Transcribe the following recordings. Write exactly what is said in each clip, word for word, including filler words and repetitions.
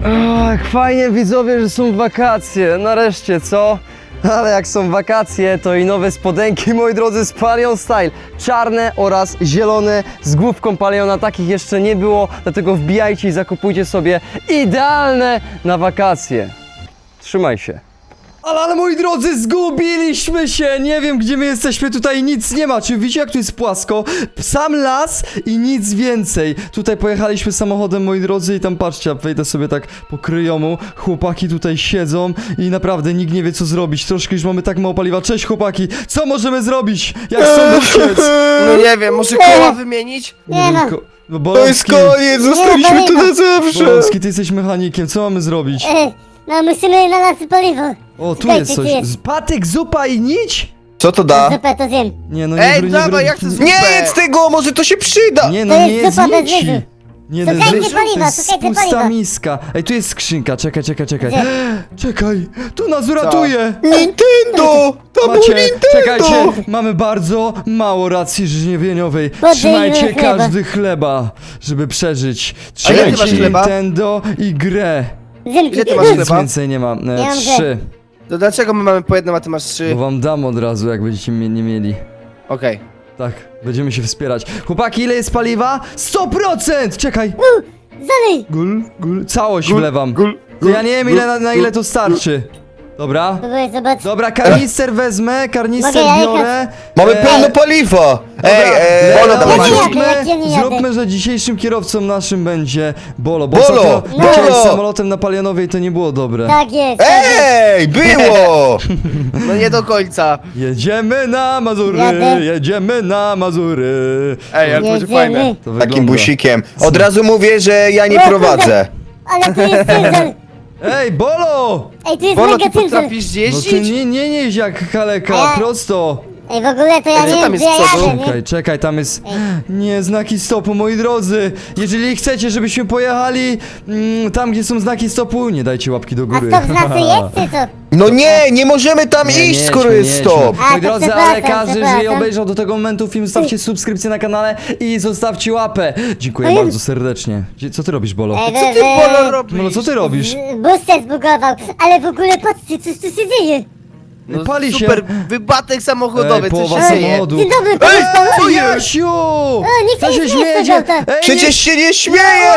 Ach, fajnie widzowie, że są wakacje, nareszcie, co? Ale jak są wakacje, to i nowe spodenki, moi drodzy, z Palion Style. Czarne oraz zielone z główką Paliona, takich jeszcze nie było, dlatego wbijajcie i zakupujcie sobie idealne na wakacje. Trzymaj się. Ale, ale moi drodzy, zgubiliśmy się! Nie wiem, gdzie my jesteśmy, tutaj nic nie ma. Czy widzicie, jak tu jest płasko? Sam las i nic więcej. Tutaj pojechaliśmy samochodem, moi drodzy, i tam patrzcie, wejdę sobie tak po kryjomu. Chłopaki tutaj siedzą i naprawdę nikt nie wie, co zrobić. Troszkę już mamy tak mało paliwa. Cześć, chłopaki! Co możemy zrobić? Jak stąd uciec? No nie wiem, może koła wymienić? Nie no. ko- no To jest Bolonski, koniec, zostaliśmy Nie, tu no, na zawsze. Bolonski, ty jesteś mechanikiem, co mamy zrobić? E, no musimy na nas paliwo. O, tu Czekajcie, jest tu coś. jest. Z- Patyk, zupa i nić? Co to da? Zupę to zjem. Nie, no nie Ej, bry- nie dawaj, bry- ja chcę zupę. Nie jedz tego, może to się przyda. Nie, To no nie jest jest zupa bez nici. ryżu. Nie, Szukajcie to jest, paliwa, to jest szukajcie pusta paliwa. miska. Ej, tu jest skrzynka, czekaj, czekaj, czekaj. Gdzie? Czekaj, tu nas uratuje. Nintendo! To był Macie, Nintendo! czekajcie, mamy bardzo mało racji żywieniowej. Podejmij Trzymajcie chleba. każdy chleba, żeby przeżyć. A ile ty Trzymajcie masz chleba? Nintendo i grę. Zimki. Ile ty masz Nic chleba? więcej nie mam. E, Ja mam trzy. To dlaczego my mamy po jednym, a ty masz trzy? Bo wam dam od razu, jak będziecie mnie nie mieli. Okej. Tak, będziemy się wspierać. Chłopaki, ile jest paliwa? sto procent! Czekaj. Zalej. Gul, gul, całość Gul, wlewam. gul, To ja nie wiem, ile, na, na ile gul. to starczy. Dobra. Próbuję zobaczyć. Dobra, karnister wezmę, karnister Mogę ja biorę. Mamy E, pełno paliwa. Ej, ej, Dobra, Bolo, dobra, dawaj. jadę, zróbmy, jak ja nie jadę. zróbmy, że dzisiejszym kierowcą naszym będzie Bolo. Bo Bolo, ostatnio Bolo! leciałeś samolotem na Palionowej, to nie było dobre. Tak jest. Tak jest. Ej, było! No nie do końca. Jedziemy na Mazury, Jadę. jedziemy na Mazury. Ej, ale to będzie fajne. Jedziemy. To Takim wygląda. busikiem. Od razu mówię, że ja nie O, kurde. prowadzę. Ale tu jest cyndzel. Ej, Bolo! Ej, tu jest Bolo, mega ty cyndzel. potrafisz No ty jeździć? nie, nie jeźdź jak kaleka, A ja- prosto. Ej, w ogóle to ja Ej, co nie tam wiem, jest gdzie ja z przodu? jadę, nie? Czekaj, czekaj, tam jest... Nie, znaki stopu, moi drodzy. Jeżeli chcecie, żebyśmy pojechali mm, tam, gdzie są znaki stopu, nie dajcie łapki do A góry. stop znaczy jest, czy co? No nie, nie możemy tam Nie, nie iść, jedźmy, skoro nie jest jedźmy. stop. A, Moi to drodzy, ale przepraszam, każdy, jeżeli przepraszam. obejrzał do tego momentu film, zostawcie subskrypcję na kanale i zostawcie łapę. Dziękuję Ej. bardzo serdecznie. Gdzie- Co ty robisz, Bolo? Ej, Co ty, Bolo, robisz? Bolo, co ty robisz? Booster zbugował, ale w ogóle patrzcie, coś tu się dzieje. No Pali się. super, wybatek samochodowy, Ej, co połowa się dzieje? samochodu. Dzień dobry, pan jest pan. Ej, Jasiu! nikt Co się się nie śmieje z śmiejecie? tego auta. Ej, Przecież się nie śmieje!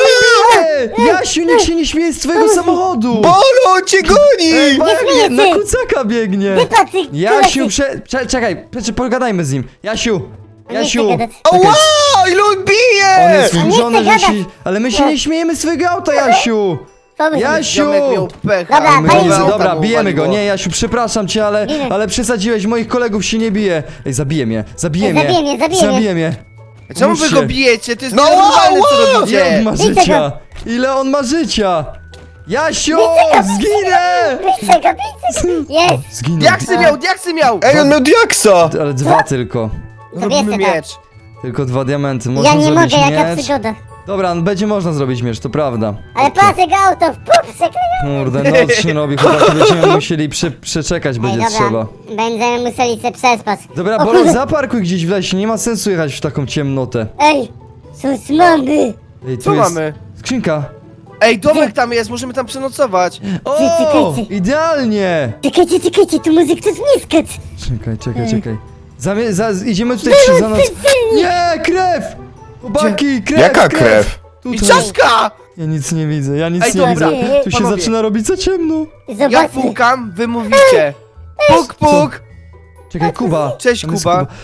nie! Jasiu, nikt się nie śmieje z twojego samochodu! Bolo, on cię Ej, goni! biegnie, na śmiejecie. kucaka biegnie! Ty Patryk, Jasiu, prze... Cze czekaj, prze pogadajmy z nim. Jasiu! Jasiu! gadać. Ała, ile on On bije! jest A nie wkurzony, chcę że gadać. się... Ale my się nie śmiejemy z twojego auta, Jasiu! Pomyśl. Jasiu! Ziomek miał pecha. Dobra, My pali Jezu, się. auta dobra, mu bijemy go. uwaliło. Nie, Jasiu, przepraszam cię, ale, Nie. ale przesadziłeś, moich kolegów się nie bije. Ej, zabiję mnie, zabiję Ej, mnie. zabiję mnie, zabiję mnie. Zabiję mnie. Czemu wy Muszę. go bijecie? To jest No, normalne, ła, co ła! Ile on robicie. ma Widzę życia? Ile on ma życia? Jasiu, zginę! Widzę go, widzę go. Jest. Zginę. Diaksy miał, diaksy miał! Ej, on miał diaksa! Ale dwa tylko. Robimy Wiecie, tak. miecz. Tylko dwa diamenty. Można Ja nie zrobić mogę, jaka miecz. przygoda. Dobra, no będzie można zrobić miecz, to prawda. Ale patrzę go auto, w pup, przekleję. Kurde, noc się robi, chłopaki, będziemy musieli prze, przeczekać, Ej, będzie dobra, trzeba. będziemy musieli się przespać. Dobra, O Bolo, kurde. zaparkuj gdzieś w lesie, nie ma sensu jechać w taką ciemnotę. Ej, sus mamy. Ej, tu Co jest mamy? skrzynka. Ej, domek tam jest, możemy tam przenocować. O, czekajcie. idealnie! Czekajcie, czekajcie, tu muzyk to zmiskać. Czekaj, czekaj, Ej. czekaj. Zamie za idziemy tutaj przy za nas. Nie, krew! Chłopaki, krew! Jaka krew? I Tutaj. czaszka! Ja nic nie widzę, ja nic Ej, nie dobra, widzę. Tu się panowie. zaczyna robić za ciemno. Ja Zobaczmy. pukam, wy mówicie. Puk, puk! Czekaj, Kuba. Cześć, Tam jest Kuba.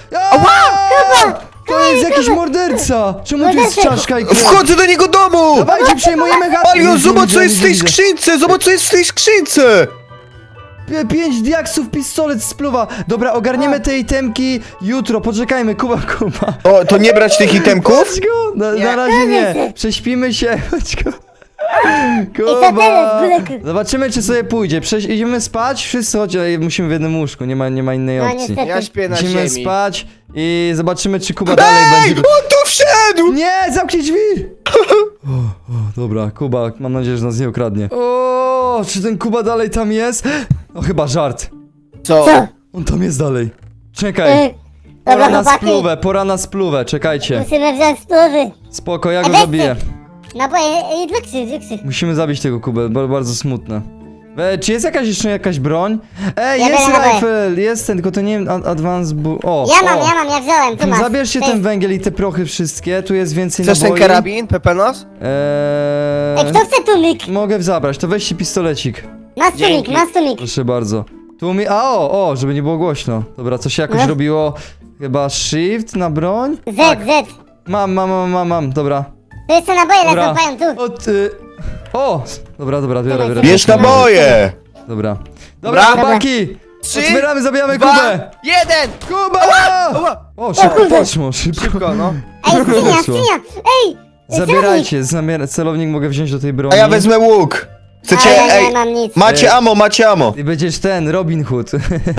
Ała! To jest jakiś morderca! Czemu tu jest Morderca. czaszka i krew? Wchodzę do niego domu! Dawajcie, przejmujemy chatę! Palio, Nic nie zobacz co widzę, jest w nic tej nie widzę. skrzynce! Zobacz co jest w tej skrzynce! P- Pięć diaksów, pistolet, spluwa. Dobra, ogarniemy te itemki jutro. Poczekajmy, Kuba, Kuba. O, to nie brać tych itemków? Chodź go! Na, na razie nie. Prześpimy się. Chodź go. co teraz, Buleku? Zobaczymy, czy sobie pójdzie. Prześ idziemy spać, wszyscy chodź, ale musimy w jednym łóżku, nie ma, nie ma innej No opcji. niestety. Ja śpię na Musimy ziemi. spać i zobaczymy, czy Kuba dalej Ej, będzie... on tu wszedł! Nie, zamknij drzwi! O, o, dobra, Kuba, mam nadzieję, że nas nie ukradnie. O, czy ten Kuba dalej tam jest? No chyba żart. Co? Co? On tam jest dalej. Czekaj. Ej, Pora dobra, na chłopaki. spluwę, pora na spluwę, czekajcie. Musimy wziąć spluwy. Spoko, ja A go weźcie. zabiję. Naboje, i dla krzyw, dla krzyw. Musimy zabić tego Kubę, bo bardzo smutne. E, czy jest jakaś jeszcze jakaś broń? Ej, Ja jest biorę naboje. rifle, jest ten, tylko to nie wiem, ad- advance bu... O, Ja mam, o. ja mam, ja wziąłem, tu masz. Zabierzcie To ten jest- węgiel i te prochy wszystkie, tu jest więcej Chcesz ten naboi. karabin, Pepenos? Eee, Ej, kto chce tłumik? Mogę zabrać, to weźcie pistolecik. Masz tłumik, Dzięki. masz tłumik. Proszę bardzo. Tu mi... A o, o, żeby nie było głośno. Dobra, co się jakoś No. robiło? Chyba shift na broń? Z, Tak. Z. Mam, mam, mam, mam, mam, dobra. Tu jeszcze naboje Dobra. lecą, pają tu. O, ty... O! Dobra, dobra, biorę, biorę. Bierz naboje! Dobra. Dobra, Dobra. chłopaki! Trzy, Otwieramy, zabijamy Dwa, Kubę! jeden! Kuba! Ała! O, szybko kurde. poszło, szybko. Szybko, no. Ej, skrzynia, Weszło. skrzynia! Ej! Zabierajcie, zamiar... celownik mogę wziąć do tej broni. A ja wezmę łuk. A Chcecie, ja ej, nie mam nic. macie amo, macie amo. I będziesz ten, Robin Hood.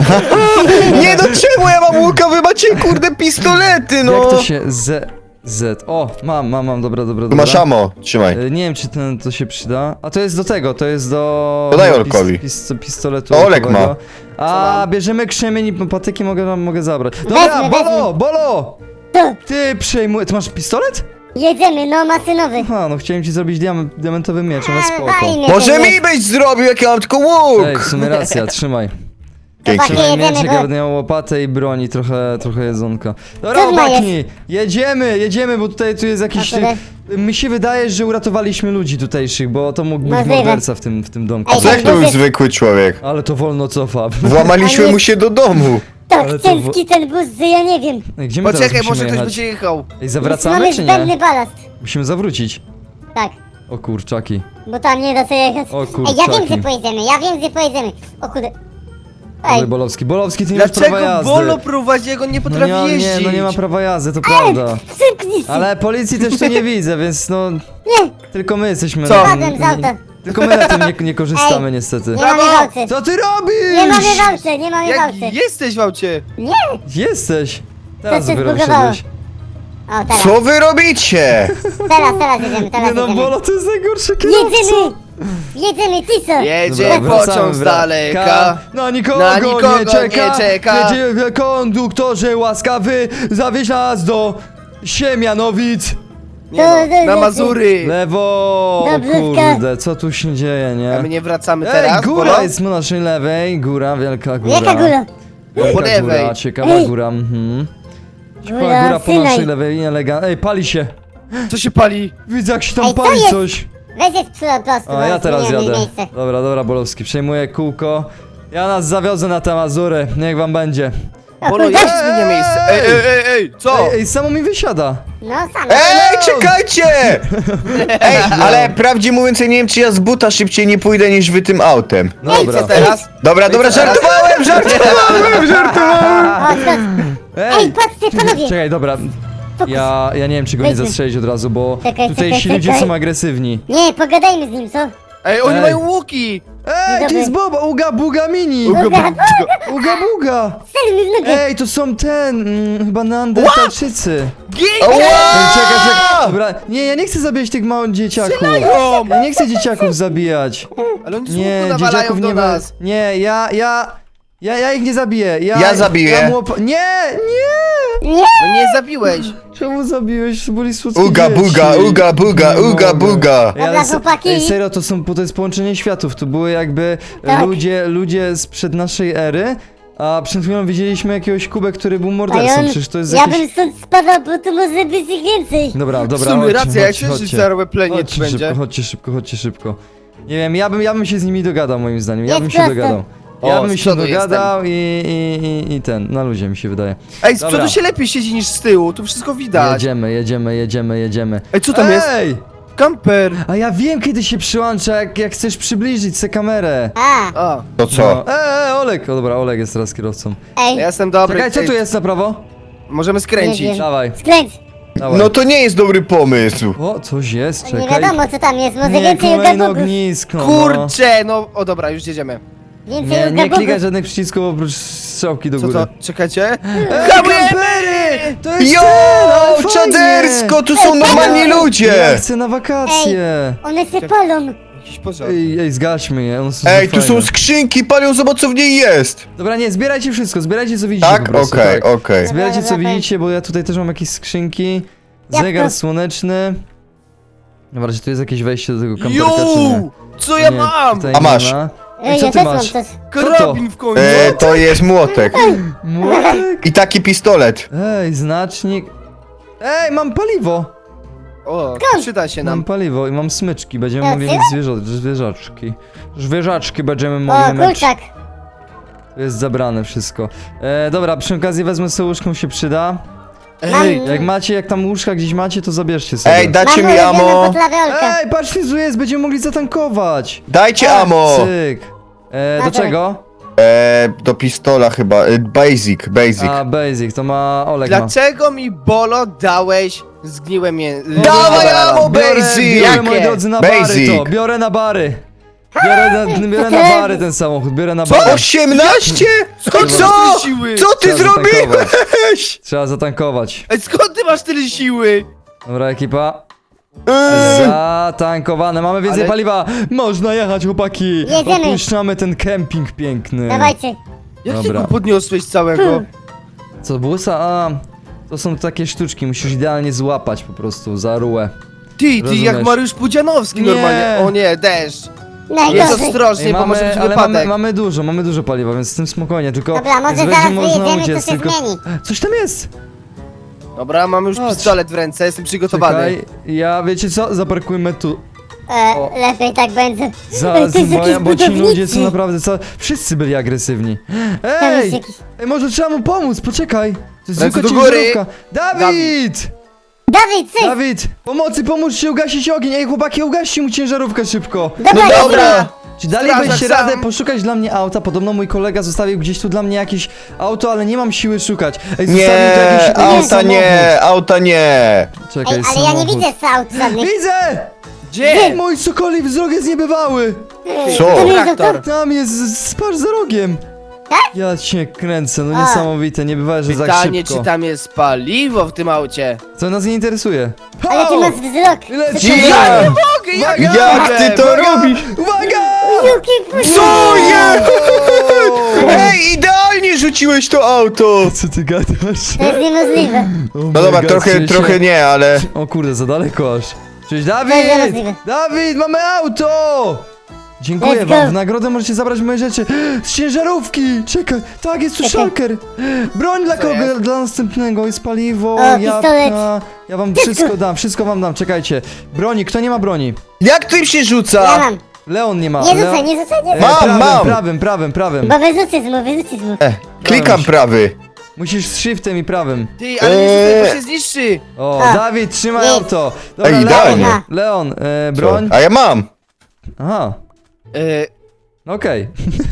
Nie no czemu ja mam łuka, wy macie kurde pistolety no. Jak to się... Z... Z... O, mam, mam, mam, dobra, dobra, Tu dobra. masz amo, trzymaj. E, Nie wiem, czy ten, to się przyda. A to jest do tego, to jest do... To daj pis- Olkowi. Pis, pistoletu. To Olek olkowego. ma. A, bierzemy krzemień i patyki mogę, mogę zabrać. Dobra, Weźmy, Bolo, weźmy. Bolo! Tu, Ty przejmuj... Ty masz pistolet? jedziemy, no masynowy. Aha, no chciałem ci zrobić diam diamentowy miecz, ale A, spoko. fajnie. Może to mi jest. byś zrobił, jak ja mam tylko łuk. Ej, w sumie racja, trzymaj. Dzięki. Chłopaki, Trzymaj jedziemy, mieczek, bo- ja będę miał łopatę i broni, trochę, trochę jedzonka. Dobra, Trudno chłopaki, jedziemy, jedziemy, bo tutaj tu jest jakiś... A które? Mi się wydaje, że uratowaliśmy ludzi tutejszych, bo to mógł być Możliwe. morderca w tym, w tym domku. Ej, Co jak to był Boże. zwykły człowiek? Ale to wolno cofa. Włamaliśmy Ale- mu się do domu. Tak Ale to ciężki ten bus, że ja nie wiem. Ej, gdzie my Poczekaj, teraz może musimy ktoś jechać? będzie jechał. Ej, zawracamy Mamy czy zbędny nie? balast. Musimy zawrócić. Tak, O kurczaki. bo tam nie da się jechać. O Ej, kurczaki. ja wiem, gdzie pojedziemy, ja wiem, gdzie pojedziemy. O kurde. Ej, Ej, Bolowski, Bolowski, ty nie masz prawa Dlaczego jazdy. Bolo prowadzi, jak on nie no potrafi nie, nie, jeździć? no nie ma prawa jazdy, to prawda. szybki się. Ale policji też tu nie widzę, więc no... Nie, Tylko my jesteśmy... Co? na- padłem z auta. Tylko my na tym nie, nie korzystamy Ej, niestety. Nie mamy Brawo! walce. Co ty robisz? Nie mamy walce, nie mamy Jak walce. jesteś w aucie? Nie. Jesteś. Teraz się dopiero zbugowało. wyszedłeś. O, teraz, Co wy robicie? teraz, teraz jedziemy, teraz Nie no, jedziemy. Bolo, to jest najgorszy kierowca. Jedziemy! Jedziemy, ty co? Jedzie Dobra, wracamy, pociąg z wra- daleka. Ka- Na nikogo, Na nikogo nie czeka. nie czeka. Jedzie konduktorze łaskawy, zawieź nas do Siemianowic. Nie no, na Mazury. Lewo, Dobrówka. kurde, co tu się dzieje, nie? A my nie wracamy Ej, teraz, góra Bolo? jest po naszej lewej, góra, wielka góra. Jaka góra? Wielka Po lewej. góra, ciekawa Ej. góra, mhm. Ciekawa Góra góra po naszej Synaj. lewej, elegant. Ej, pali się. Co się pali? Widzę jak się tam Ej, co pali jest? coś. Weź jest przy prostu, A ja teraz zmieniamy jadę. miejsce. Dobra, dobra, Bolowski, przejmuję kółko. Ja nas zawiozę na te Mazury, niech wam będzie. Bolo, jak się zmienia miejsce? Ej, ej, ej, ej, co? Ej, ej, samo mi wysiada. No, sam. Ej, czekajcie! Ej, ale prawdzie mówiąc, ja nie wiem, czy ja z buta szybciej nie pójdę niż wy tym autem. No dobra. Co teraz? Dobra, dobra, żartowałem, żartowałem, żartowałem! Chodź, chodź. Ej, patrzcie, panowie! Czekaj, dobra. Fokus. Ja, ja nie wiem, czy go nie Weźmy. zastrzelić od razu, bo Czekaj, tutaj czekaj, ci ludzie czekaj. są agresywni. Nie, pogadajmy z nim, co? Ej, oni Ej. mają łuki! Ej, to Dobry. jest Boba, Uga Buga Mini! Uga, buga. Uga Buga! Strzel mi w nogę! Ej, to są ten, mm, chyba Neandertalczycy. Gin! Ej, Ała! czekaj, czekaj, dobra, nie, ja nie chcę zabijać tych małych dzieciaków. Strzelają! Ja nie chcę dzieciaków zabijać. Ale oni z Nie, łuku nawalają dzieciaków do nie nas. ma. Nie, ja, ja, ja, ja ich nie zabiję. Ja, Ja zabiję. Ja mu op- nie, nie! Nie! No nie zabiłeś. Czemu zabiłeś? To byli słodkie Uga, dzieci. buga, uga, buga, Nie uga, mogę. buga. Ej, ale Dobra, se- chłopaki. Ej, serio, to są, to jest połączenie światów. To były jakby Tak. ludzie, ludzie sprzed naszej ery, a przed chwilą widzieliśmy jakiegoś Kubę, który był A mordercą. on, Przecież to jest ja jakiś... bym stąd spadał, bo tu może być ich więcej. Dobra, W dobra, sumie chodźcie, racja, jak chodźcie, się chodźcie. zarobię pleniec Chodźcie będzie. szybko, chodźcie szybko, chodźcie szybko. Nie wiem, ja bym, ja bym się z nimi dogadał moim zdaniem, ja Jest bym się prosto. dogadał. O, Ja bym z się przodu dogadał i, i, i, i ten, na luzie mi się wydaje. Ej, z Dobra. przodu się lepiej siedzi niż z tyłu, tu wszystko widać. Jedziemy, jedziemy, jedziemy, jedziemy. Ej, co tam jest? Ej! Kamper! A ja wiem kiedy się przyłącza, jak, jak chcesz przybliżyć se kamerę. A, A, To co? No. Eee, Olek! O dobra, Olek jest teraz kierowcą. ej, ja jestem dobry. Czekaj, co Ej, tu jest na prawo? Możemy Nie skręcić. wiem. Dawaj, skręć. dawaj. No to nie jest dobry pomysł. O, coś jest, czekaj. Nie wiadomo co tam jest, może Nie, więcej kolejne ugabugów. ognisko, no. Kurczę, no, o dobra, już jedziemy. Więcej Nie, nie ugabugów. klikaj żadnych przycisków oprócz strzałki do Co góry. to? Czekajcie. Ej, kampery! To jest Jo, ten, ale fajnie! czadersko, tu są Ej, normalni ej, Ja ludzie. chcę na wakacje! One się palą. Jakiś pożar. Ej, ej, zgaśmy je, one są Ej, fajne. tu są skrzynki, palią, zobacz co w niej jest. Dobra, nie, zbierajcie wszystko, zbierajcie co widzicie Tak? po prostu, Okej, tak. okej. Zbierajcie co Dobra, dobra. widzicie, bo ja tutaj też mam jakieś skrzynki. Jak Zegar to? słoneczny. Dobra, czy tu jest jakieś wejście do tego kamperka, czy nie? Ju! Co ja Nie, mam? tutaj A nie masz. ma. Ej, Co ja ty też masz? mam coś. Karabin w końcu. E, to jest młotek. Młotek? I taki pistolet. Ej, znacznik. Ej, mam paliwo! O, przyda się Mam nam. paliwo i mam smyczki, będziemy Ja mogli ty? mieć zwierzo zwierzaczki. Zwierzaczki będziemy O, mogli mieć. kurczak. To jest zabrane wszystko. E, dobra, przy okazji wezmę sobie łóżką, się przyda. Ej, Jak macie, jak tam łóżka gdzieś macie, to zabierzcie sobie. Ej, dacie Mam mi ulubioną amo. podlawiolkę. Ej, patrz, tu jest, będziemy mogli zatankować. Dajcie amo. Cyk. E, do Dobra. czego? E, do pistola chyba. E, basic, basic. A, basic, to ma Oleg ma. dlaczego mi Bolo dałeś zgniłe mię... Dawaj amo, Biorę, basic! biorę, Jakie? moi drodzy, na bary Basic. to, biorę na bary. Biorę na, biorę na bary ten samochód, biorę na Co? bary. osiemnaście? Skąd Co? masz tyle siły? Co ty Trzeba zatankować. zrobiłeś? Trzeba zatankować. Ej, skąd ty masz tyle siły? Dobra, ekipa. Eee, Zatankowane, mamy więcej Ale- paliwa. Można jechać, chłopaki. Jedziemy. Opuszczamy ten kemping piękny. Dawajcie. Jak ty Dobra. go podniosłeś całego? Co, busa? A, to są takie sztuczki, musisz idealnie złapać po prostu za rułę. Ty, ty Rozumiesz. jak Mariusz Pudzianowski Nie. normalnie. O nie, deszcz. Jest Najgorzej. ostrożnie, Ej, bo może być ale mamy, wypadek. mamy dużo, mamy dużo paliwa, więc z tym spokojnie, tylko... Dobra, może więc zaraz będzie można wyjedziemy, uciec, to się tylko- zmieni. Coś tam jest! Dobra, mamy już Chodź. pistolet w ręce, jestem przygotowany. Czekaj, ja wiecie co? Zaparkujmy tu. O. E, lepiej tak będzie. Zaraz, to jest bo, jakiś ja, bo ci ludzie są budowniczy. naprawdę co. Wszyscy byli agresywni. Tam jest Ej! jakiś... Ej, może trzeba mu pomóc, poczekaj! To jest Ręce zwykła do góry. ciężarówka. Dawid! Dawid, syf! Dawid! Pomocy, pomóżcie ugasić ogień! Ej, chłopaki, ugaście mu ciężarówkę szybko! Dobra, No dobra. dobra. Czy dalibyście Strażak sam. radę poszukać dla mnie auta? Podobno mój kolega zostawił gdzieś tu dla mnie jakieś auto, ale nie mam siły szukać. Ej, zostawił tu nie, jakiś jakiś auta samochód. nie, auta nie. Czekaj, Ej, ale ja nie samochód. widzę aut żadnych. Widzę! Gdzie? Mój sokoli wzrok jest niebywały! Co? To nie jest Traktor. auto. Tam jest, spasz za rogiem! Tak? Ja cię kręcę, no A. niesamowite, nie bywa, że tak Pytanie, szybko. czy tam jest paliwo w tym aucie? Co nas nie interesuje? Ale ty Au! masz wzrok. Leci! Co ty Ja robisz? Mogę, jak, Jak ty to Uwaga! robisz? Uwaga! Juki, puść. Co je? Ej, idealnie rzuciłeś to auto. Co ty gadasz? To jest niemożliwe. No dobra, trochę, trochę nie, ale... O kurde, za daleko aż. Cześć, To jest Dawid! niemożliwe. Dawid, mamy auto! Dziękuję Let's wam, go. w nagrodę możecie zabrać moje rzeczy. Z ciężarówki! Czekaj, tak, jest tu Czekaj. szalker. Broń dla Co kogo? jest? Dla następnego, jest paliwo, O, jabłka. pistolet. Ja wam Wszystko. wszystko dam, wszystko wam dam, czekajcie. Broni, kto nie ma broni? Jak tym się Ja rzuca? mam. Leon nie ma. Nie Leon... rzucaj, nie rzucaj, nie E, rzucaj. Mam, prawym, mam. prawym, prawym, prawym. Bo wyrzucisz mu, wyrzucisz mu. E, klikam prawy. Musisz z shiftem i prawym. Ty, ale nie rzucaj, Eee. bo się zniszczy. O, A. Dawid, trzymaj Nic. auto. Dobra, Ej, idealnie. Leon, Leon, e, Co? broń. A ja mam. Aha. E, No okej.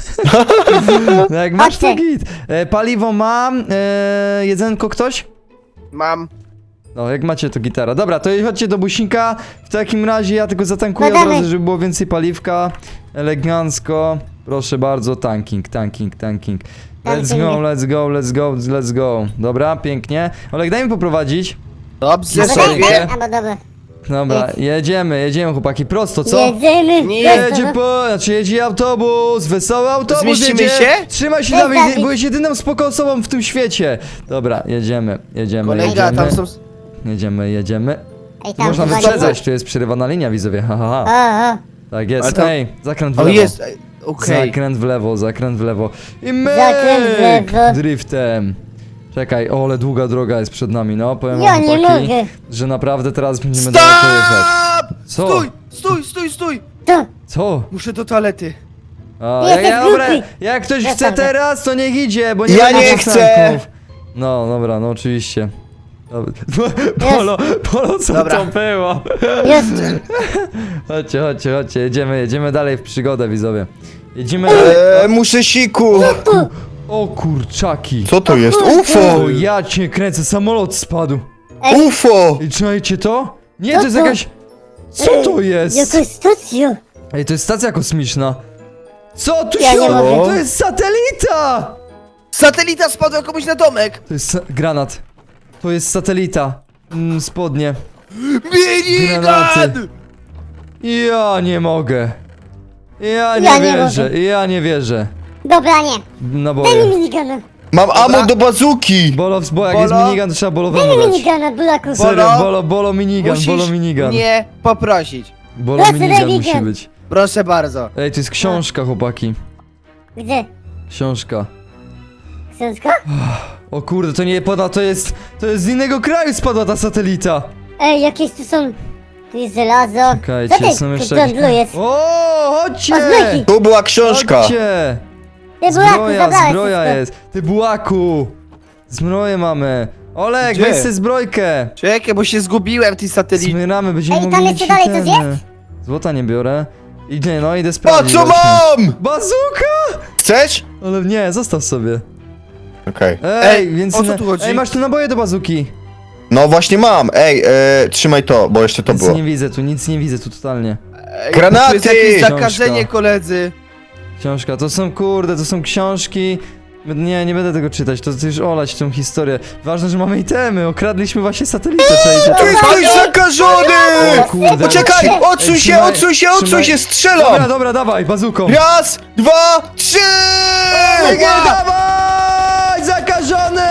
No jak masz to Chodźcie. git. E, paliwo mam, e, jedzenko ktoś? mam. No, jak macie to gitara. Dobra, to chodźcie do busika. W takim razie ja tylko zatankuję od Badamy. razu, żeby było więcej paliwka. Elegancko. Proszę bardzo, tanking, tanking, tanking. Let's go, let's go, let's go, let's go. Dobra, pięknie. Olek, daj mi poprowadzić. Dobrze Albo Sorry. tak, sobie. tak, albo dobra. Dobra, jedziemy, jedziemy chłopaki, prosto, co? Jedziemy. Nie prosto, Jedzie no. po, znaczy jedzie autobus, wesoły autobus Zmieścimy jedzie. się? Trzymaj się, Cześć, Dawid, Dawid. byłeś jedyną spoko osobą w tym świecie. Dobra, jedziemy, jedziemy, Kolega, jedziemy, tam są... jedziemy, jedziemy. Ej, tam Można chyba nie wyprzedzać, tu jest przerywana linia, widzowie, ha, ha, ma. ha. O, o. Tak jest, Ale tam- ej, zakręt w O, lewo. jest. ej, Okej. Zakręt w lewo, zakręt w lewo. I my Zakręt w lewo. driftem. Czekaj, o, ale długa droga jest przed nami, no, powiem Ja wam, nie chłopaki, mogę. że naprawdę teraz będziemy daleko jechać. Stop! Co? Stój, stój, stój, stój! Tu. Co? Muszę do toalety. O, Jesteś jak, ja, dobra, głupi. jak ktoś Ja chce sam. teraz, to niech idzie, bo nie Ja będzie nie następków. No, dobra, no oczywiście. Dobra. Polo, Polo, co Dobra. to było? Już. Chodźcie, chodźcie, chodźcie, jedziemy, jedziemy dalej w przygodę, widzowie. Jedziemy dalej. E, muszę siku. O kurczaki. Co to jest? O, UFO! ja cię kręcę, samolot spadł. UFO! I czujecie to? Nie, Co to jest to? jakaś... Co to jest? Jakaś stacja. Ej, to jest stacja kosmiczna. Co tu Ja się... nie mogę. To jest satelita! Satelita spadła komuś na domek! To jest sa- granat. To jest satelita. Mm, spodnie. Minigun! Granaty. Ja nie mogę. Ja nie Ja nie wierzę, mogę. ja nie wierzę. Dobra, nie. Na Daj mi boję. minigana. Mam ammo do bazuki! Bolo, bo jak jest Bolo? minigun, to trzeba Daj bolowemu mi dać. minigana, Bulaku. Serio, Bolo? bolo, bolo minigun, Musisz bolo minigun. mnie poprosić. Bolo Lecę, minigun daj musi minigun. być. Proszę bardzo. Ej, to jest książka, chłopaki. Gdzie? Książka. Książka? O kurde, to nie pada, to jest... To jest z innego kraju spadła ta satelita. Ej, jakieś tu są... Tu jest żelazo. Czekajcie, Co ty, są jeszcze tu jakieś- jest? O, chodźcie! O, zbrojki. Tu była książka! Chodźcie! Ty, Bulaku, Zbroja, zabrałeś zbroja wszystko. jest. Ty bułaku! Zbroję mamy. Olek, Gdzie? weź sobie zbrojkę. Czekaj, bo się zgubiłem w tej satelicie. Smyramy, będziemy Ej, mogli tam mieć jeszcze dalej coś itemy. Złota nie biorę. Idę, no idę A sprawdzić. co właśnie. mam?! Bazuka! Chcesz? Ale nie, zostaw sobie. Okej. Ej, Ej, więc... o co tu chodzi? Ej, masz tu naboje do bazuki. No właśnie mam, ej, e, trzymaj to, bo jeszcze to Nic było. nie widzę tu, nic nie widzę tu totalnie. Ej, Granaty! Tu jest jakieś Książka. zakażenie, koledzy. Książka, to są kurde, to są książki. Nie, nie będę tego czytać, to już olać tą historię. Ważne, że mamy itemy, okradliśmy właśnie satelitę, czajcie Tu to. jest ktoś zakażony! O kurde. Poczekaj, odsuń Ej, się, trzymaj- odsuń się, odsuń trzymaj- się, Dobra, strzelam! dobra, dawaj, bazuką. Raz, dwa, trzy! Ej, nie, dawaj, zakażony!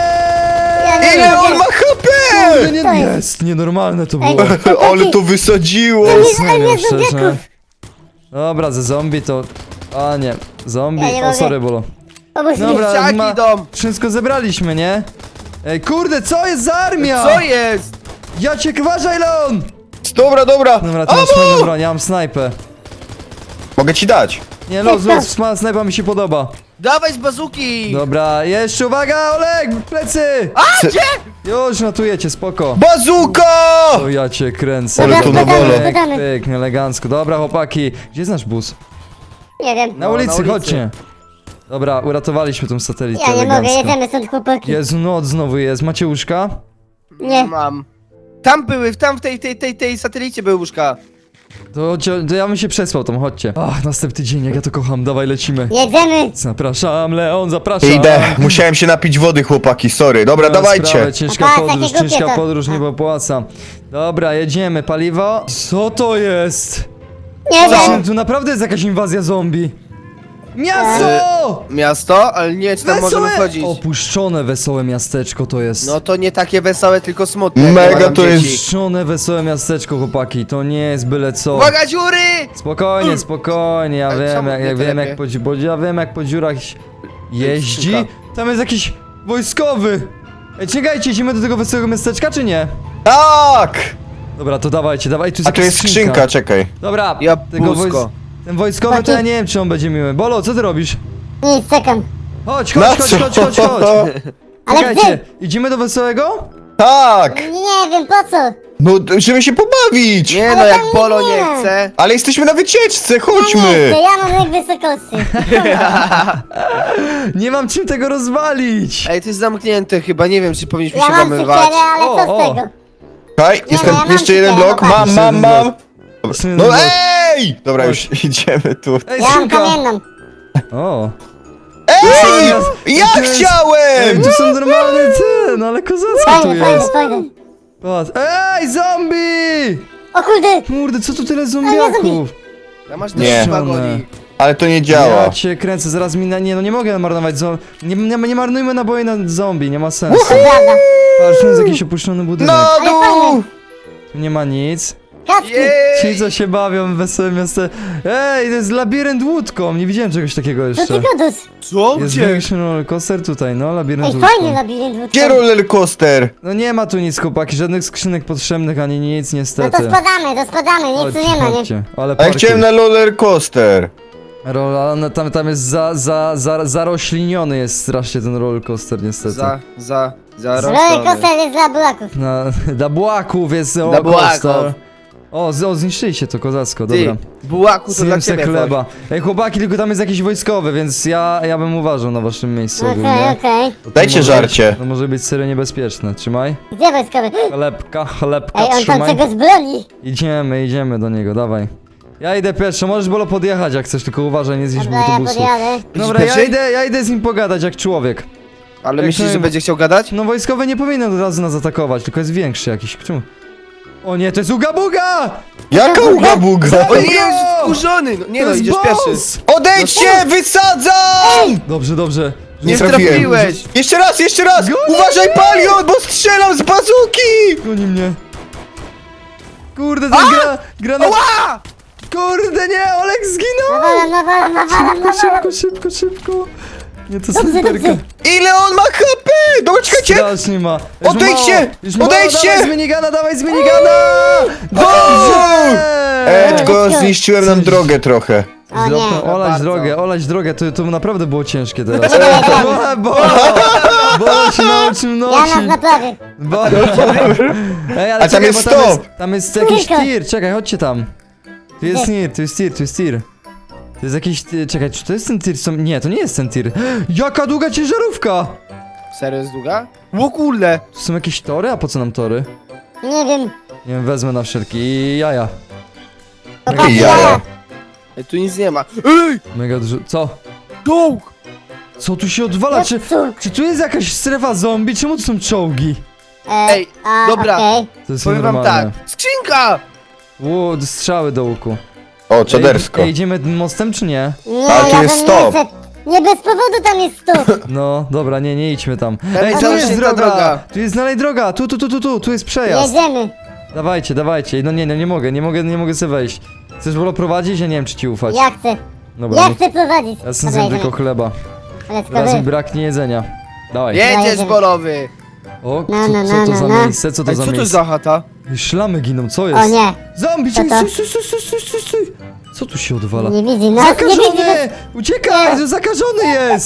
Ja nie Ile wiem, on gdzie. ma H P? Kurde, nie, To jest- jest, nienormalne to Ej, było. Ale to wysadziło! Serio, nie, szczerze. zombiaków. Dobra, ze zombie to... A nie, zombie, Ja nie o mogę. sorry, bolo. Pomóż mi. Dobra, Dzieciaki ma... idą. wszystko zebraliśmy, nie? Ej, kurde, co jest za armia? Co jest? Ja cię kważaj, Leon! Dobra, dobra. Dobra, to masz fajną broń, ja mam snajpę. Mogę ci dać. Nie, los, los, sma- snajpa mi się podoba. Dawaj z bazuki! Dobra, jeszcze uwaga, Olek, plecy! A, gdzie? Już notujecie, spoko. Bazuka! O, ja cię kręcę. Ale to na wolę. Pyk, Podamy. pyk, elegancko. Dobra, chłopaki, gdzie jest nasz bus? Nie wiem. Na No, ulicy, na ulicy. chodźcie. Dobra, uratowaliśmy tą satelitę Ja nie mogę, elegancko. jedziemy stąd, chłopaki. Jezu, noc znowu jest. Macie łóżka? Nie. Mam. Tam były, tam w tej, tej, tej, tej satelicie były łóżka. To, cio- to ja bym się przespał tam, chodźcie. Ach, następny dzień, jak ja to kocham, dawaj lecimy. Jedziemy. Zapraszam, Leon, zapraszam. Idę, musiałem się napić wody, chłopaki, sorry. Dobra, No, dawajcie. sprawę, ciężka A, podróż, takie głupie ciężka to. podróż, nie opłaca. Dobra, jedziemy, paliwo. Co to jest? Nie Właśnie, wiem. tu naprawdę jest jakaś inwazja zombie. Miasto! Miasto, ale nie, czy tam możemy wchodzić. Opuszczone wesołe miasteczko to jest. No to nie takie wesołe, tylko smutne. jak Mega nie ma tam to jest- dzieci. Opuszczone wesołe miasteczko, chłopaki, to nie jest byle co. Uwaga, dziury! Spokojnie, spokojnie, ja Ale wiem, czemu jak, nie jak wiem telepie? jak po, dzi- bo ja wiem jak po dziurach jeździ. Sztuka. Tam jest jakiś wojskowy. Ej, czekajcie, idziemy do tego wesołego miasteczka, czy nie? Tak! Dobra, to dawajcie, dawaj, tu jest A tu jakaś jest skrzynka, czekaj. Dobra, Jabłuszko. wojs- ten wojskowy to ja nie wiem, czy on będzie miły. Bolo, co ty robisz? Nic, czekam. Chodź, Na chodź, chodź, co? chodź, chodź, chodź. Ale Czekajcie, gdzie? idziemy do wesołego? Tak! Nie wiem, po co? No, żeby się pobawić! Nie no, Ale jak tam Polo nie nie ma. chce. Ale jesteśmy na wycieczce, Ja nie chodźmy! chcę, ja mam lek wysokości. Nie mam czym tego rozwalić. Ej, to jest zamknięte chyba, nie wiem, czy powinniśmy Ja się mam włamywać. cukierę, ale O, co o. z tego? Czekaj, jest no, ten, ja mam jeszcze jeden tutaj, blok, chłopaki. mam, Jeszcze mam, jeden mam! blok. Jeszcze jeden No blok. ej! Dobra, już idziemy tu. Ej, Ja mam skrzynka. kamienną. O. Ej! Ej, Ja to jest- Ej, chciałem! tu są normalne te, no ale kozacko tu Fajne, fajne, jest. fajne. Patrz. Ej, zombie! O kurde! Kurde, co tu tyle zombie. zombiaków? Ja masz Nie. też wagonik. Ale to nie działa. Ja cię kręcę, zaraz mi na... Nie, no nie mogę marnować zo... Nie, nie, nie marnujmy naboje na zombie, nie ma sensu. To prawda. Patrz, tu jest jakiś opuszczony budynek. Na Ale fajne. dół! Tu nie ma nic. Kaczki. Ci, Jej! co się bawią w wesołym miasto. Ej, to jest labirynt łódką. Nie widziałem czegoś takiego To jeszcze. ty godus. Co? Jest Gdzie? większy rollercoaster tutaj, no, labirynt Ej, łódką. fajny labirynt wódkowy. Gdzie roller coaster? No nie ma tu nic, chłopaki, żadnych skrzynek potrzebnych, ani nic, No niestety. to spadamy, to spadamy, nic tu nie ma, nie? Chodźcie. Ale A ja parking. chciałem na roller coaster. Rola, no, tam, tam jest za, za, za, zarośliniony jest strasznie ten rollercoaster, niestety. Za, za, za Roller coaster jest dla buraków. Na, dla bułaków jest Dla rollercoaster. bułaków. O, z, o, zniszczyliście to, kozacko, Ty, dobra. bułaku to dla Zjem se ciebie chleba. Ej, chłopaki, tylko tam jest jakiś wojskowy, więc ja, ja bym uważał na waszym miejscu Okej, ogólnie. okej. To Dajcie może żarcie. Być, to może być serio niebezpieczne, trzymaj. Gdzie wojskowy? Chlebka, chlebka, Ej, on tam trzymaj. czegoś broni. Idziemy, idziemy do niego, dawaj. Ja idę pierwszy, możesz Bolo podjechać jak chcesz, tylko uważaj, nie zjedź mu Dobra, ja autobusu. podjadę. Dobra, ja Pierwszy? idę, ja idę z nim pogadać jak człowiek. Ale Jak myślisz, to- że będzie chciał gadać? No wojskowy nie powinien od razu nas atakować, tylko jest większy jakiś. Czemu? O nie, to jest Uga Buga! Jaka uga buga? O nie, jest wkurzony! No, nie To no, jest idziesz boss! pierwszy. Odejdźcie, wysadzam! Dobrze, dobrze. Nie trafiłem. trafiłeś. Jeszcze raz, jeszcze raz! Uważaj, Palion, bo strzelam z bazuki! Goni mnie. Kurde, ten gra, gra na... Ała! Kurde, nie, Olek zginął! Nawalam, nawalam, nawalam, nawalam. Szybko, szybko, szybko. Nie, to Dobrze, snajperka. dobrze. Ile on ma H P? Dobra, czekajcie! Strasznie ma. Już mu Odejdźcie! mało, już mu Odejdźcie! mało. Dawaj z minigana, dawaj z minigana! Dobrze! E, tylko zniszczyłem nam drogę trochę. O nie. Zlopę- Olać bardzo. drogę, olać drogę, to, to naprawdę było ciężkie teraz. Czekaj, czekaj. Bo, bo, bo się nauczył Ja nosić. nas naprawię. Bo... Ej, ale A tam czekaj, jest bo tam stop. jest, tam jest jakiś Tylko. tir, czekaj, chodźcie tam. Tu jest Gdzie? tir, tu jest tir, tu jest tir. To jest jakiś, ty- czekaj, czy to jest ten tir? Co... Nie, to nie jest ten tir. Jaka długa ciężarówka! Serio jest długa? O kurde. Tu są jakieś tory? A po co nam tory? Nie wiem. Nie wiem, wezmę na wszelki jaja. Chłopaki, jaja. jaja. Ej, tu nic nie ma. Ej! Mega dużo, co? Czołg! Co tu się odwala? Czy, Cóż. czy tu jest jakaś strefa zombie? Czemu tu są czołgi? E, Ej, a, dobra. okej. To jest Powiem wam tak. normalne. Skrzynka! Ło, strzały do łuku. O, czadersko. Ej, ej, idziemy mostem czy nie? Nie, A, tu ja jest tam stop. Nie, chcę. Nie bez powodu tam jest stop. No, dobra, nie, nie idźmy tam. Tam Ej, jest tu jest zamknięta droga! droga. Tu jest dalej droga! Tu, tu, tu, tu, tu, tu jest przejazd. Jedziemy. Dawajcie, dawajcie. No nie, no nie mogę, nie mogę, nie mogę sobie wejść. Chcesz Bolo prowadzić? Ja nie wiem, czy ci ufać. Ja chcę. Dobra, Ja nie. chcę prowadzić. Ja sobie zjem tylko chleba. Ale Teraz mi skowy. braknie jedzenia. Dawaj. Jedziesz, Jedziemy. bolowy! O, No, co, no, co to no, za no. miejsce? Co to Ej, za co to jest miejsce? za chata? Ej, szlamy giną, co O jest? nie. Zombie, Co czekaj, to? stój, stój, stój, stój, stój, stój. Co tu się odwala? Nie widzi nas, nie widzi nas. Zakażony! Uciekaj, to zakażony jest!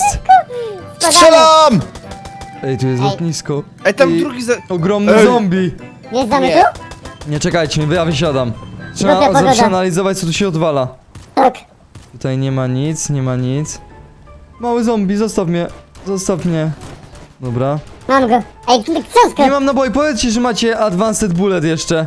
Strzelam! Ej, tu jest Ej. lotnisko. Ej, tam I drugi za... ogromny Ej. zombie. Wjeżdżamy Nie. tu? Nie, czekajcie, ja wysiadam. Głupia Trzeba pogoda. przeanalizować, co tu się odwala. Tak. Tutaj nie ma nic, nie ma nic. Mały zombie, zostaw mnie. Zostaw mnie. Dobra. Mam go. Ej, książkę. Nie mam naboi, powiedzcie, że macie Advanced Bullet jeszcze.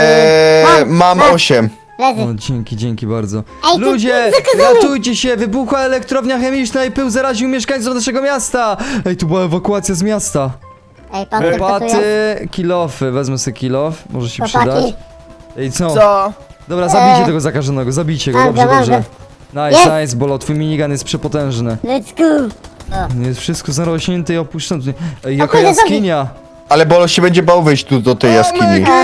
Eee, mam Mam. osiem. Leży. O, dzięki, dzięki bardzo. Ej, ty- Ludzie, zakazany. ratujcie się! Wybuchła elektrownia chemiczna i pył zaraził mieszkańców naszego miasta! Ej, tu była ewakuacja z miasta. Ej, pan co to tu jest? Paty, kilofy, wezmę sobie kilof, może się przydać. Chłopaki. Ej, co? Co? Dobra, zabijcie Eee. tego zakażonego, zabijcie go, Mam dobrze, go, mam dobrze. go. Nice, Jest. nice, Bolo, twój minigun jest przepotężny. Let's go. Jest wszystko zarośnięte i opuszczone. Ej, jaka kurde, jaskinia! Ale Bolo się będzie bał wejść tu do tej jaskini. Omega!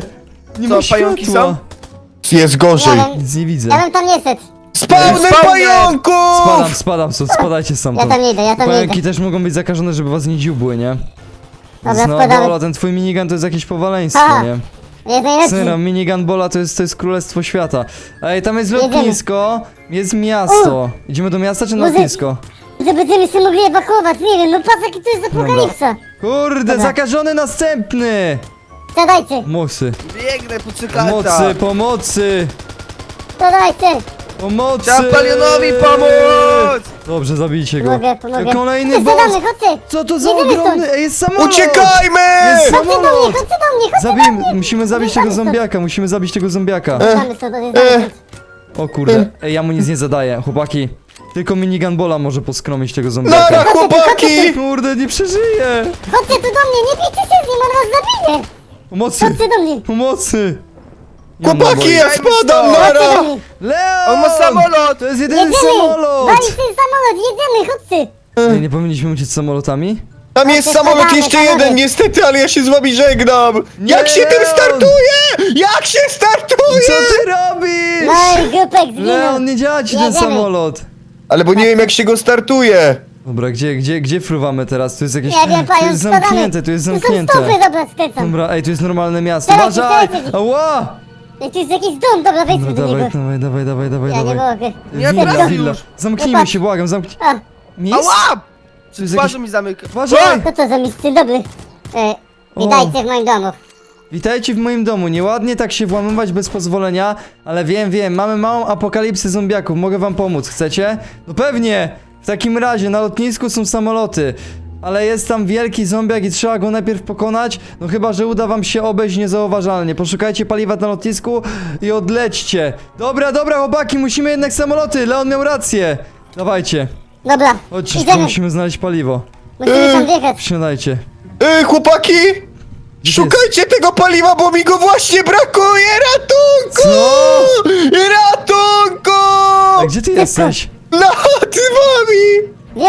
Nie Co, ma pająki światła! są? Jest gorzej. Ja bym, Nic nie widzę. ja bym tam nie szedł. Spawny Spawner! pająków! Spadam, spadam stąd, spadajcie Ja stamtąd. tam nie idę, ja tam nie Pająki idę. też mogą być zakażone, żeby was nie dziubły, nie? Dobra, No, spadamy. Bola, ten twój minigun to jest jakieś powaleństwo, Aha. nie? Jest najlepszy. Serio, minigun Bola to jest, to jest królestwo świata. Ej, tam jest Jedziemy. lotnisko, jest miasto. Idziemy do miasta czy na Może- lotnisko? Że będziemy się mogli ewakuować, nie wiem, no patrz jaki to jest apokalipsa. Kurde, Dobra. zakażony następny! Siadajcie, Mocy, Biegnę po cyklata. pomocy, pomocy, siadajcie. pomocy! Trzeba Palionowi pomóc! Dobrze, zabijcie go. Pomogę, pomogę. Kolejny Chodźcie, boss! siadamy, chodźcie. Co to za Jedziemy ogromny... stąd. Ej, jest samolot! Uciekajmy! Jest Chodźcie do mnie, samolot! chodźcie do mnie, chodźcie Zabijmy, musimy zabić tego Zjeżdżamy stąd. zombiaka, musimy zabić tego zombiaka. Siadamy stąd, odjeżdżamy stąd. O kurde, ej, ja mu nic nie zadaję, chłopaki. Tylko minigun Bola może poskromić tego zombiaka. Nara, chłopaki! Kurde, nie przeżyje! Chodźcie tu do mnie, nie bijcie się z nim, on was zabije. Pomocy! Chodźcie do mnie. Pomocy! Nie mam Chłopaki, naboi. ja spadam, Chodźcie do nara! mnie. Leon! On ma samolot! To jest jedyny Jedziemy. samolot! Wali ten samolot, jedziemy, chodźcie. Ej, nie powinniśmy uciec samolotami? Tam jest Chodźcie, samolot spadamy, jeszcze spadamy. jeden, niestety, ale ja się z wami żegnam! Jak się tym Leon! startuje? Jak się Co startuje? ty robisz? No i grupek zginął. Leon, nie działa ci ten Jedziemy. samolot. Ale bo nie wiem jak się go startuje. Dobra, gdzie, gdzie, gdzie fruwamy teraz? Tu jest jakieś... Nie wiem, Tu pająk, jest spadamy. zamknięte, tu jest Tu są zamknięte. stopy, dobra, skręcam. Dobra, ej, tu jest normalne miasto. Dawajcie, Uważaj! dawajcie. Ała! Ej, tu jest jakiś dom, dobra, wejdźmy Dobra, do dawaj, niego. dawaj, dawaj, dawaj, dawaj, Ja nie dawaj. mogę. Ja Willa, teraz willa. już. Zamknijmy Zobacz. się, błagam, zamknij. A, Miejsce? Ała! Tu jest Twarz jakiś... mi zamyka. Uważaj! co to za miejsce dobry? E, witajcie w moim domu. Witajcie w moim domu. Nieładnie tak się włamywać bez pozwolenia, ale wiem, wiem, mamy małą apokalipsę zombiaków. Mogę wam pomóc, chcecie? No pewnie! W takim razie na lotnisku są samoloty. Ale jest tam wielki zombiak i trzeba go najpierw pokonać. No chyba, że uda wam się obejść niezauważalnie. Poszukajcie paliwa na lotnisku i odlećcie. Dobra, dobra, chłopaki, musimy jednak samoloty. Leon miał rację. Dawajcie. Dobra, Chodźcie, szybko idziemy. musimy znaleźć paliwo. Musimy tam wjechać. Wsiadajcie. Ej, chłopaki! Gdzie Szukajcie tego paliwa, bo mi go właśnie brakuje! Ratunku! Co? Ratunku! A gdzie ty jesteś? Nad wami!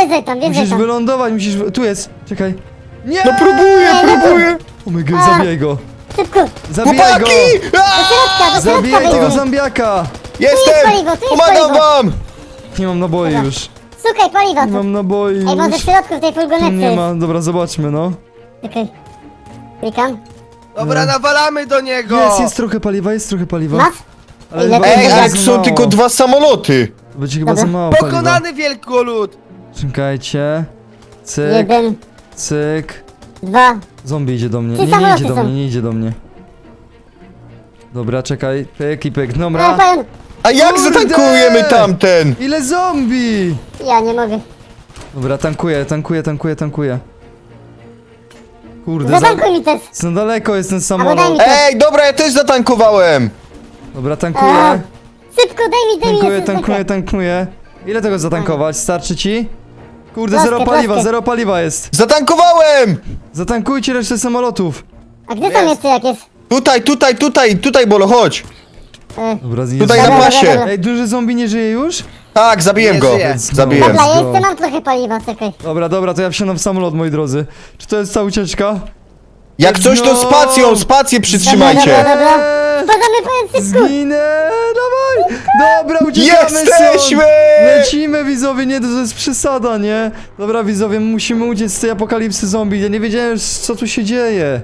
wjeżdżaj tam, wjeżdżaj Musisz tam. wylądować, musisz... Tu jest, czekaj. Nie! No próbuję, próbuję! O my god, A. zabijaj go. Szybko, Zabijaj go! Chłopaki! Aaa! środka, do środka Zabijaj tego wejdźcie. zombiaka! Jestem! paliwo, tu jest Pomagam paliwo. wam! Nie mam naboi Dobra. już. Szukaj paliwa Nie tu. mam naboi Ej, może w już. środku w tej Tu furgonetce nie jest. ma, dobra, zobaczmy no. Czekaj. Klikam. Dobra, nawalamy do niego! Jest, jest trochę paliwa, jest trochę paliwa. Masz? Ale Ile chyba to Ej, będzie ale za są mało. tylko dwa samoloty! To będzie chyba Dobra. za mało paliwa. Pokonany wielkolud! Czekajcie. Cyk, Jeden, cyk. dwa. Zombie idzie do mnie. Trzy Nie, nie samoloty idzie do są. mnie, nie idzie do mnie. Dobra, czekaj. Pyk i pyk. Ale Dobra. pan, A jak Kurde! zatankujemy tamten? Ile zombie? ja nie mogę. Dobra, tankuję, tankuję, tankuję, tankuję. Kurde, za, Zatankuj mi też. za daleko jest ten Albo daj samolot. mi to. Ej, dobra, ja też zatankowałem! Dobra, A, tankuję. Szybko, daj mi, daj mi. Tankuję, jeszcze tankuję, zwykle. tankuję. Ile tego zatankować? Starczy ci? Kurde, Płaskie, zero paliwa, płaskie. zero paliwa jest. Zatankowałem! Zatankujcie resztę samolotów. A gdzie są Jest. jeszcze jakieś? Tutaj, tutaj, tutaj, tutaj, Bolo, chodź! E, Dobra, zjedz- Tutaj na Dobra, pasie! dobra, dobra. Ej, duży zombie nie żyje już? Tak, zabiłem Nie go! żyje. Zabiłem. Dobra, ja go. jeszcze mam trochę paliwa, czekaj. Dobra, dobra, to ja wsiadam w samolot, moi drodzy. Czy to jest ta ucieczka? Jak coś to No. spacją, spację Dobra, przytrzymajcie! dobra. Spadamy, powiem szybko. Zginę! Dawaj! Dobra, uciekamy Jesteśmy! stąd! Lecimy, widzowie, nie, to jest przesada, nie? Dobra, widzowie, musimy uciec z tej apokalipsy zombie. Ja nie wiedziałem, co tu się dzieje.